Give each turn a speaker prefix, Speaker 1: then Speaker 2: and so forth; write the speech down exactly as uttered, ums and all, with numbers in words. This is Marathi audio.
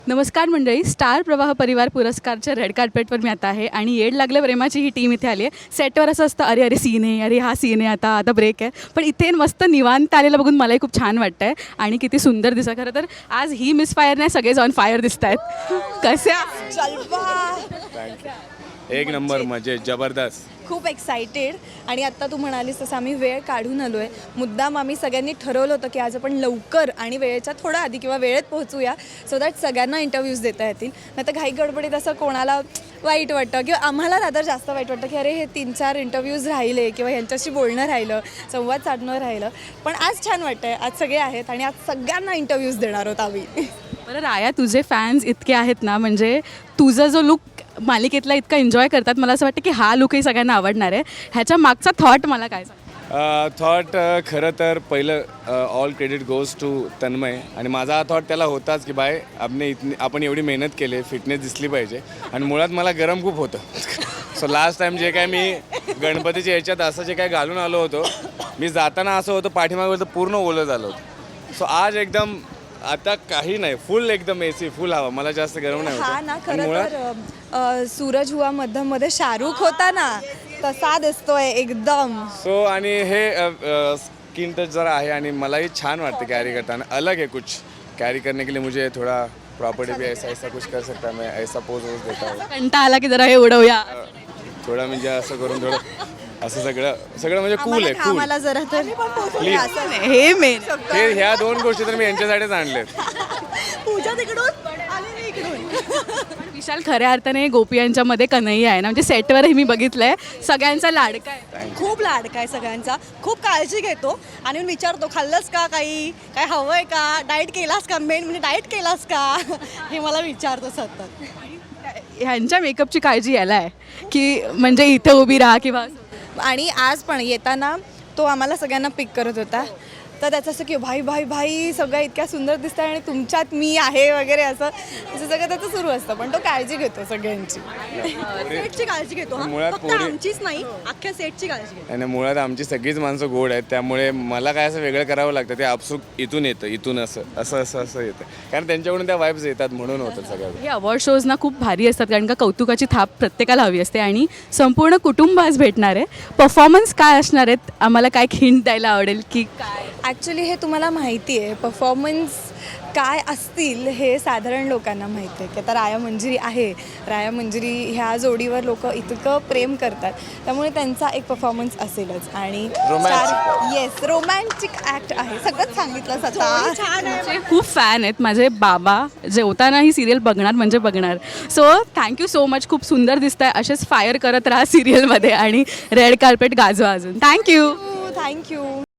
Speaker 1: नमस्कार मंडळी, स्टार प्रवाह परिवार पुरस्कारच्या रेड कार्पेटवर मी आता आहे आणि येड लागल्या प्रेमाची ही टीम इथे आली आहे. सेटवर असं असतं, अरे अरे सीन आहे, अरे हा सीन आहे, आता आता ब्रेक आहे. पण इथे मस्त निवांत आलेलं बघून मलाही खूप छान वाटतं आहे आणि किती सुंदर दिसतं. खरं तर आज ही मिस फायर नाही, सगळेच ऑन फायर दिसत आहेत. कसे
Speaker 2: एक नंबर मजे जबरदस्त.
Speaker 3: खूप एक्सायटेड. आणि आत्ता तू म्हणालीस तसं आम्ही वेळ काढून आलो आहे. मुद्दाम आम्ही सगळ्यांनी ठरवलं होतं की आज आपण लवकर आणि वेळेच्या थोडं आधी किंवा वेळेत पोहोचूया, सो दॅट सगळ्यांना इंटरव्ह्यूज देता येतील. नाही तर घाई गडबडीत असं कोणाला वाईट वाटतं किंवा आम्हाला रादर जास्त वाईट वाटतं की अरे हे तीन चार इंटरव्ह्यूज राहिले किंवा ह्यांच्याशी बोलणं राहिलं, संवाद साधणं राहिलं. पण आज छान वाटतं आहे, आज सगळे आहेत आणि आज सगळ्यांना इंटरव्ह्यूज देणार आहोत आम्ही.
Speaker 1: बरं राया, तुझे फॅन्स इतके आहेत ना, म्हणजे तुझा जो लुक मालिकेतला इतका एन्जॉय करतात, मला असं वाटतं की हा लुकही सगळ्यांना आवडणार आहे. ह्याच्या मागचा थॉट मला काय सांग?
Speaker 2: थॉट खरं तर पहिलं all credit goes to Tanmay. आणि माझा हा थॉट त्याला होताच की बाय आपने इतनी आपण एवढी मेहनत केली, फिटनेस दिसली पाहिजे. आणि मुळात मला गरम खूप होतं. सो लास्ट टाईम जे काय मी गणपतीच्या ह्याच्यात असं जे काय घालून आलो होतो, मी जाताना असं होतं पाठीमागं पूर्ण ओलं झालं होतं. सो आज एकदम आता काही नाही, फुल एकदम एसी फुल हवा, मला जास्त गरम नाही
Speaker 3: हा ना,
Speaker 2: होत.
Speaker 3: खरं तर अ, सूरज हुआ मध्यम मध्ये शाहरुख होता ना, तसा दिसतोय एकदम.
Speaker 2: सो आणि हे स्किन टच जरा आहे आणि मलाही छान वाटतं कॅरी करताना. अलग है कुछ कैरी करने के लिए, मुझे थोड़ा प्रॉपर्टी भी ऐसा ऐसा कुछ कर सकता है, मैं ऐसा पोज वोज देता हूँ.
Speaker 1: कंटाळा आला की जरा हे उडवूया.
Speaker 2: थोडं म्हणजे असं करून थोडं असं सगळं सगळं म्हणजे कूल आहे, कूल.
Speaker 3: आम्हाला जरा तर
Speaker 2: प्लीज.
Speaker 3: असं नाही.
Speaker 1: हे मेन
Speaker 2: हे ह्या दोन गोष्टी तर मी यांच्यासाठीच आणलेत.
Speaker 3: पूजा तिकडून आणि मी इकडून.
Speaker 1: विशाल खऱ्या अर्थाने गोपी यांच्यामध्ये कन्हैया आहे ना, म्हणजे सेटवरही मी बघितलंय, सगळ्यांचा लाडका आहे.
Speaker 3: खूप लाडका आहे सगळ्यांचा, खूप काळजी घेतो आणि मी विचारतो खाल्लंस का, काही काय हवंय का, डाएट केलास का, मेन म्हणजे डाएट केलास का, हे मला विचारतो सतत.
Speaker 1: ह्यांच्या मेकअपची काळजी यायला आहे की म्हणजे इथे उभी राहा किंवा.
Speaker 3: आणि आज पण येताना तो आम्हाला सगळ्यांना पिक करत होता, तर त्याचं असं की भाई भाई भाई सगळं इतक्या सुंदर दिसत आहे आणि तुमच्यात मी आहे वगैरे, असं असं सगळं त्याचं सुरू असतं. पण तो काळजी घेतो सगळ्यांची, सेटची काळजी घेतो. हा,
Speaker 2: मुळात
Speaker 3: फक्त
Speaker 2: पोरी-
Speaker 3: आमचीच नाही, अख्ख्या सेटची काळजी घेतो.
Speaker 2: आणि मुळात आमची सगळीच माणसं गोड आहेत, त्यामुळे मला काय असं वेगळं करावं लागतं. ते आपसूक इथून येतं, इथून असं असं असं असं येतं, कारण त्यांच्याकडून त्या वाईब्स येतात म्हणून होतं सगळं.
Speaker 1: हे अवॉर्ड शोज ना खूप भारी असतात, कारण का कौतुकाची थाप प्रत्येकाला हवी असते आणि संपूर्ण कुटुंब आज भेटणार आहे. परफॉर्मन्स काय असणार आहेत, आम्हाला काय हिंट द्यायला आवडेल की काय?
Speaker 3: ॲक्च्युली हे तुम्हाला माहिती आहे, परफॉर्मन्स काय असतील हे साधारण लोकांना माहिती आहे की आता राया मंजिरी आहे. राया मंजिरी ह्या जोडीवर लोक इतकं प्रेम करतात, त्यामुळे त्यांचा एक परफॉर्मन्स असेलच. आणि येस, रोमॅन्टिक ॲक्ट आहे, सगळंच सांगितलं स्वतः. छान आहे.
Speaker 1: माझे खूप फॅन आहेत माझे बाबा, जेवताना ही सिरियल बघणार म्हणजे बघणार. सो थँक्यू सो मच, खूप सुंदर दिसत आहे. असेच फायर करत राहा सिरियलमध्ये आणि रेड कार्पेट गाजवा अजून. Thank you
Speaker 3: thank you.